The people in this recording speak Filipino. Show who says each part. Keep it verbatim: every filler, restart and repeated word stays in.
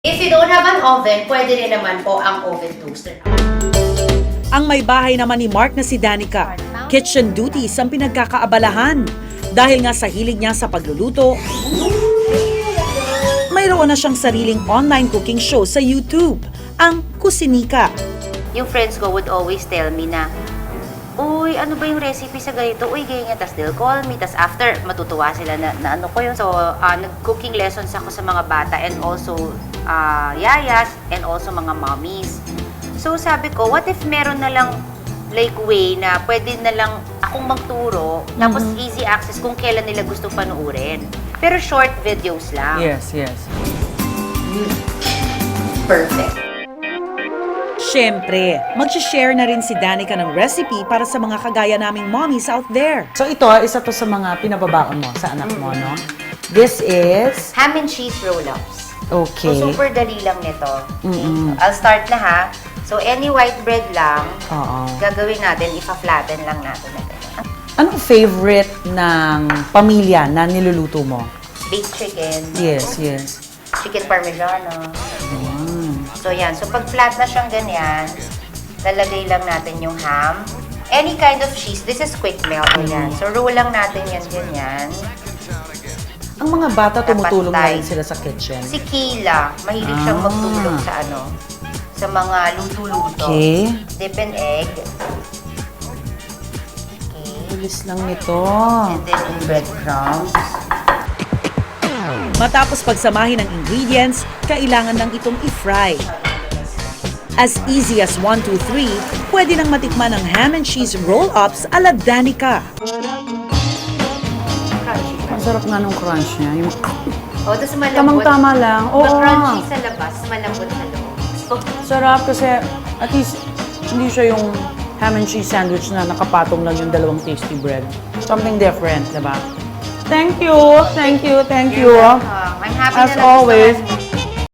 Speaker 1: If you don't have an oven, pwede rin naman po ang oven toaster.
Speaker 2: Ang may bahay naman ni Mark na si Danica, kitchen duties ang pinagkakaabalahan. Dahil nga sa hilig niya sa pagluluto, mayroon na siyang sariling online cooking show sa YouTube, ang Kusinika.
Speaker 1: Yung friends ko would always tell me na, uy, ano ba yung recipe sa ganito? Uy, ganyan. Tapos they'll call me. Tapos after, matutuwa sila na, na ano ko yun. So, uh, nag-cooking lessons ako sa mga bata and also uh, yayas and also mga mommies. So, sabi ko, what if meron na lang like way na pwede na lang akong magturo, tapos mm-hmm. easy access kung kailan nila gusto panuurin. Pero short videos lang.
Speaker 3: Yes, yes.
Speaker 1: Perfect.
Speaker 2: Siyempre, mag-share na rin si Danica ng recipe para sa mga kagaya naming mommies out there.
Speaker 3: So ito, isa to sa mga pinababaon mo sa anak mo, no? This is...
Speaker 1: Ham and cheese roll-ups.
Speaker 3: Okay.
Speaker 1: So, super dali lang nito.
Speaker 3: Mm-mm.
Speaker 1: I'll start na ha. So, any white bread lang,
Speaker 3: Oo.
Speaker 1: gagawin natin, ipa-flatten lang natin na ganyan.
Speaker 3: Anong favorite ng pamilya na niluluto mo?
Speaker 1: Baked chicken.
Speaker 3: Yes, yes.
Speaker 1: Chicken parmigiano.
Speaker 3: Mm.
Speaker 1: So, yan. So, pag flat na siyang ganyan, lalagay lang natin yung ham. Any kind of cheese. This is quick melt. Ayan. So, roll lang natin yan ganyan.
Speaker 3: Ang mga bata tumutulong na
Speaker 1: Dapat
Speaker 3: rin sila sa kitchen.
Speaker 1: Si Kayla, mahilig siyang
Speaker 3: Ah.
Speaker 1: magtulong sa ano, sa mga luto-luto.
Speaker 3: Okay.
Speaker 1: Dip and egg. Okay.
Speaker 3: Bilis lang nito.
Speaker 1: And then yung breadcrumbs.
Speaker 2: Matapos pagsamahin ng ingredients, kailangan nang itong i-fry. As easy as one, two, three, pwede nang matikman ang ham and cheese roll-ups ala Danica.
Speaker 1: Crunchy.
Speaker 3: Ang sarap nga nung crunch niya. Yung
Speaker 1: Oh, tapos malambot.
Speaker 3: tamang-tama lang. Oo.
Speaker 1: Ma-crunchy sa labas, malambot sa loob. Oh,
Speaker 3: Sarap kasi at least hindi siya yung ham and cheese sandwich na nakapatong lang yung dalawang tasty bread. Something different, diba? Thank you, thank you, thank you.
Speaker 1: you're welcome. I'm happy
Speaker 3: As
Speaker 1: na nagustuhan
Speaker 3: always.
Speaker 1: mo.